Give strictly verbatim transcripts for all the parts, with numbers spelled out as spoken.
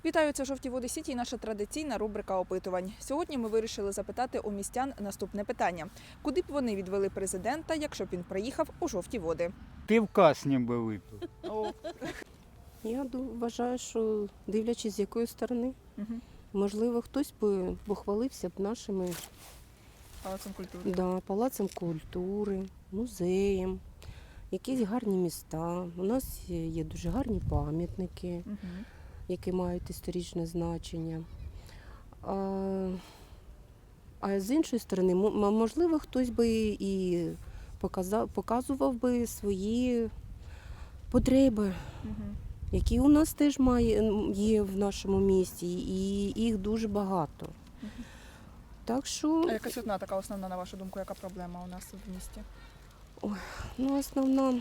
Вітаю, це «Жовті води Сіті» і наша традиційна рубрика опитувань. Сьогодні ми вирішили запитати у містян наступне питання. Куди б вони відвели президента, якщо б він приїхав у Жовті води? Пивка з ним би випив. Я ду- вважаю, що дивлячись з якої сторони, Угу. можливо, хтось би похвалився б нашими Палацом культури. да, палацем культури, музеєм, якісь гарні міста. У нас є є дуже гарні пам'ятники, Угу. які мають історичне значення. А, а з іншої сторони, м- можливо, хтось би і показав, показував би свої потреби, Угу. які у нас теж має, є в нашому місті, і їх дуже багато. Мгм. Так що, А якась одна така основна, на вашу думку, яка проблема у нас в місті? ну, основна,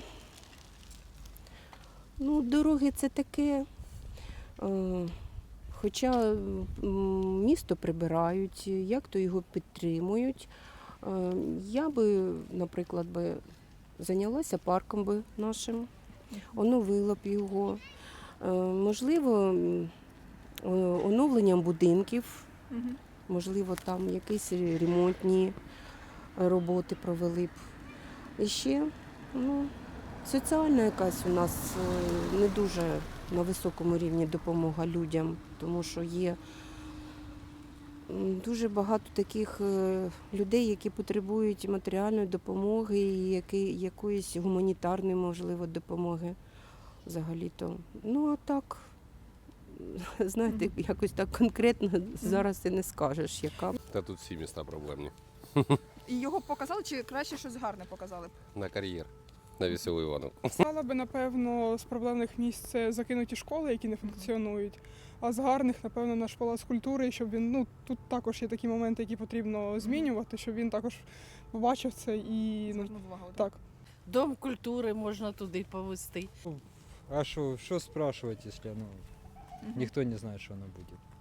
ну, дороги це таке. Е, Хоча м, місто прибирають, як то його підтримують. Е, Я би, наприклад, би зайнялася парком би нашим, оновила б його. Е, Можливо, м, е, оновленням будинків, Угу. можливо, там якісь ремонтні роботи провели б. І ще, ну, соціальна якась у нас е, не дуже на високому рівні допомога людям, тому що є м, дуже багато таких е, людей, які потребують матеріальної допомоги і які, якоїсь гуманітарної, можливо, допомоги взагалі-то. Ну, а так, знаєте, Мгм. якось так конкретно зараз і не скажеш, яка. Та тут всі міста проблемні. І його б показали, чи краще щось гарне показали б? На кар'єр, на веселу Івану. Стала би, напевно, з проблемних місць це закинуті школи, які не функціонують. А з гарних, напевно, наш палац культури, щоб він, ну, тут також є такі моменти, які потрібно змінювати, щоб він також побачив це і, ну, Звернув увагу. так? так. Дом культури можна туди повезти. А что, что спрашивать, если ну, Мгм. никто не знает, что оно будет?